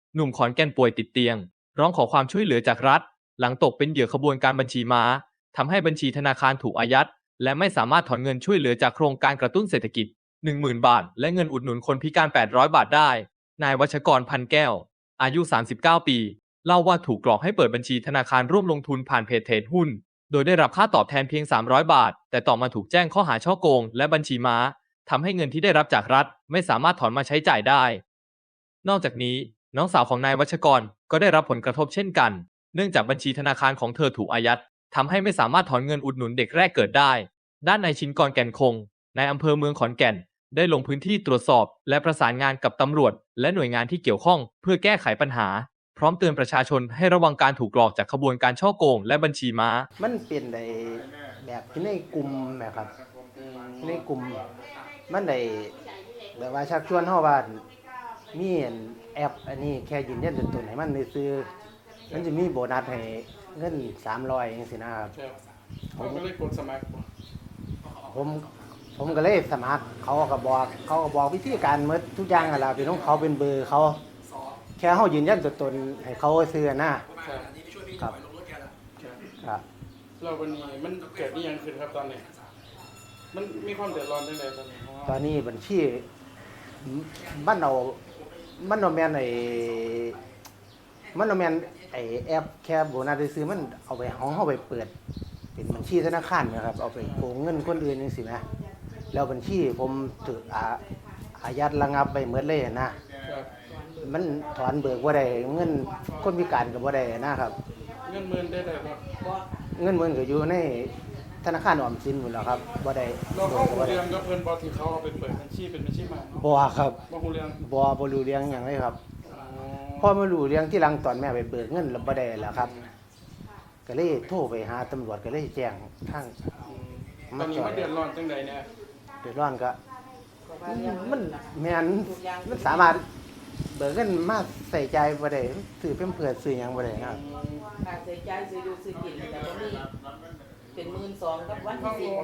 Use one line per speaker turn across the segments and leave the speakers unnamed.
หนุ่มขอนแก่นป่วยติดเตียงร้องขอความช่วยเหลือจากรัฐหลังตกเป็นเหยื่อขบวนการบัญชีม้าทำให้บัญชีธนาคารถูกอายัดและไม่สามารถถอนเงินช่วยเหลือจากโครงการกระตุ้นเศรษฐกิจ 10,000 บาทและเงินอุดหนุนคนพิการ 800 บาทได้นายวัชกรพันแก้วอายุ 39 ปีเล่าว่าถูกหลอกให้เปิดบัญชีธนาคารร่วมลงทุนผ่านเพจเทรดหุ้นโดยได้รับค่าตอบแทนเพียง 300 บาทแต่ต่อมาถูกแจ้งข้อหาฉ้อโกงและบัญชีม้าทำให้เงินที่ได้รับจากรัฐไม่สามารถถอนมาใช้จ่ายได้นอกจากนี้น้องสาวของนายวัชกรก็ได้รับผลกระทบเช่นกันเนื่องจากบัญชีธนาคารของเธอถูกอายัดทำให้ไม่สามารถถอนเงินอุดหนุนเด็กแรกเกิดได้ด้านนายชินกรแก่นคงนายอำเภอเมืองขอนแก่นได้ลงพื้นที่ตรวจสอบและประสานงานกับตำรวจและหน่วยงานที่เกี่ยวข้องเพื่อแก้ไขปัญหาพร้อมเตือนประชาชนให้ระวังการถูกหลอกจากขบวนการฉ้อโกงและบัญชีม้า
มันเป็นได้แบบที่ในกลุ่มนะครับในกลุ่มมันได้แบบว่าชักชวนเฮาว่ามีแอปอันนี้แค่ยืนยันตัวตนให้มันซื้อมันจะมีโบนัสให้เงิน300จังซี่นะครับ
ผมก็เลยกดสมัคร
ผมผมก็เลยสมัครเขาก็บอกวิธีการหมดทุกอย่างนั่นล่ะเป็นของเขาเป็นเบอร์เขาแค่เฮายืนยันตัวตนให้เขาซื้อนะครับครับ
เราวันนี้มันเกิดนี่ยังขึ้นครับตอนนี้มันมีความเดือดร้อนจังไดตอนนี้
ตอนนี้บัญชีมันเอามันเอาแม่นมันเอาแม่นแอปแค่โบนัสซื้อมันเอาไปของเฮาไปเปิดเป็นบัญชีธนาคารนะครับเอาไปโกงเงินคนอื่นจังซี่นะแล้วบัญชีผมถูกอายัดระงับไปหมดเลยนะมันถอนเบิกบ่ได้เงินคนพิการก็บ่ได้นะครับ
เงินหมื่นได้บ่
เงินหมื่นก็อยู่ในธนาคารออมสินพุ่นแหล้วครับบ่ได้
เราเข้าฮู้เรื่องกับเพิ่นบ่ที่เขาเอาไปเปิดบัญชีเป็นบัญชีม้า
บ่ครับ
บ่ฮู้เรื่อง
บ่รู้เรื่องหยังเลยครับพอมารู้เรื่องที่หลังตอนแม่ไปเบิกเงินแล้วบ่ได้แล้วครับก็เลยโทรไปหาตำรวจก็เลยแจ้งทาง
ตอนนี้มันเดือดร้อนจังไดเนี่ย
เดือดร้อนก็มันแม่นมันสามารถเบิกเงินมาใส่ใจบ่ได้ซื้อเพิ่มเพื่อซื้อหยังบ่ได้ครับ
ค่าใช้จ่ายซื้ออยู่ซื้อกินแล้วก็มีเป็น12,000กับวันที่4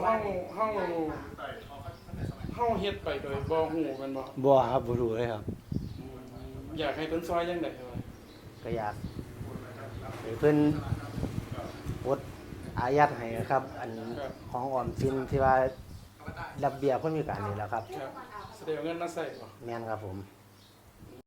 เฮาเฮ็ดไปโดยบ่ฮู้แม่นบ่
บ่ครับบ่รู้เลยครับ
อยากให้เพิ่นซอยจังได๋
ก็อยากให้เพิ่นปลดอายัดให้ครับอันของออมสินที่ว่าระเบียบคนพิการนี่แหละครับ
ครับแสดงเงินมาใส่บ่
แม่นครับผม